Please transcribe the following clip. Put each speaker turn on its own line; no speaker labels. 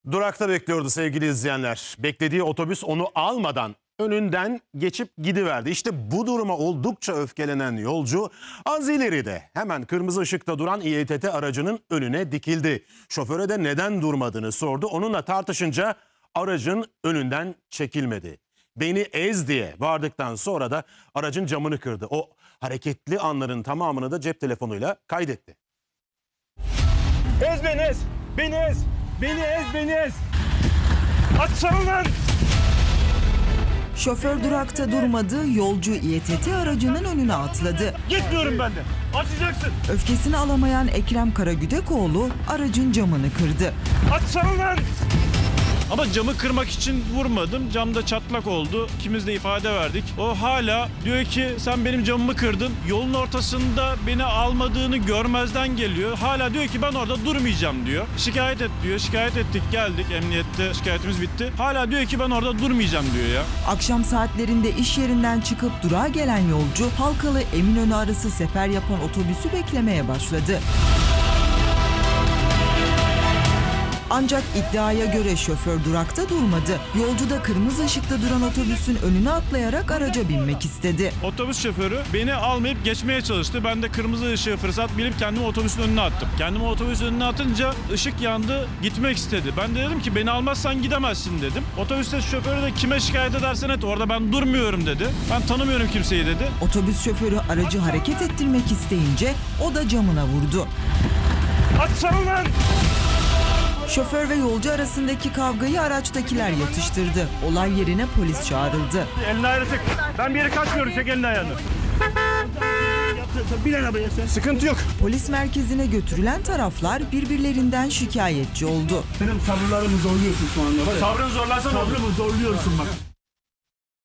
Durakta bekliyordu sevgili izleyenler. Beklediği otobüs onu almadan önünden geçip gidiverdi. İşte bu duruma oldukça öfkelenen yolcu az ileride hemen kırmızı ışıkta duran İETT aracının önüne dikildi. Şoföre de neden durmadığını sordu. Onunla tartışınca aracın önünden çekilmedi. Beni ez diye bağırdıktan sonra da aracın camını kırdı. O hareketli anların tamamını da cep telefonuyla kaydetti.
Ez beni ez! Beni ez! Beni ez, beni ez! Açsana lan!
Şoför durakta durmadı, yolcu İETT aracının önüne atladı.
Gitmiyorum ben de! Açacaksın!
Öfkesini alamayan Ekrem Karagüdekoğlu aracın camını kırdı.
Açsana lan!
Ama camı kırmak için vurmadım. Camda çatlak oldu. İkimiz de ifade verdik. O hala diyor ki sen benim camımı kırdın. Yolun ortasında beni almadığını görmezden geliyor. Hala diyor ki ben orada durmayacağım diyor. Şikayet et diyor. Şikayet ettik, geldik. Emniyette şikayetimiz bitti. Hala diyor ki ben orada durmayacağım diyor ya.
Akşam saatlerinde iş yerinden çıkıp durağa gelen yolcu Halkalı Eminönü arası sefer yapan otobüsü beklemeye başladı. Ancak iddiaya göre şoför durakta durmadı. Yolcu da kırmızı ışıkta duran otobüsün önüne atlayarak araca binmek istedi.
Otobüs şoförü beni almayıp geçmeye çalıştı. Ben de kırmızı ışığı fırsat bilip kendimi otobüsün önüne attım. Kendimi otobüsün önüne atınca ışık yandı, gitmek istedi. Ben de dedim ki beni almazsan gidemezsin dedim. Otobüste şoförü de kime şikayet edersen et orada ben durmuyorum dedi. Ben tanımıyorum kimseyi dedi.
Otobüs şoförü aracı hareket ettirmek isteyince o da camına vurdu.
Açsana lan!
Şoför ve yolcu arasındaki kavgayı araçtakiler yatıştırdı. Olay yerine polis çağrıldı.
Elini ayağını sık. Ben bir yere kaçmıyorum. Çek elini ayağını. Bin arabaya sen. Sıkıntı yok.
Polis merkezine götürülen taraflar birbirlerinden şikayetçi oldu.
Benim sabırlarımı zorluyorsun şu anda var ya.
Sabrını zorlarsan olur.
Sabrımı zorluyorsun bak.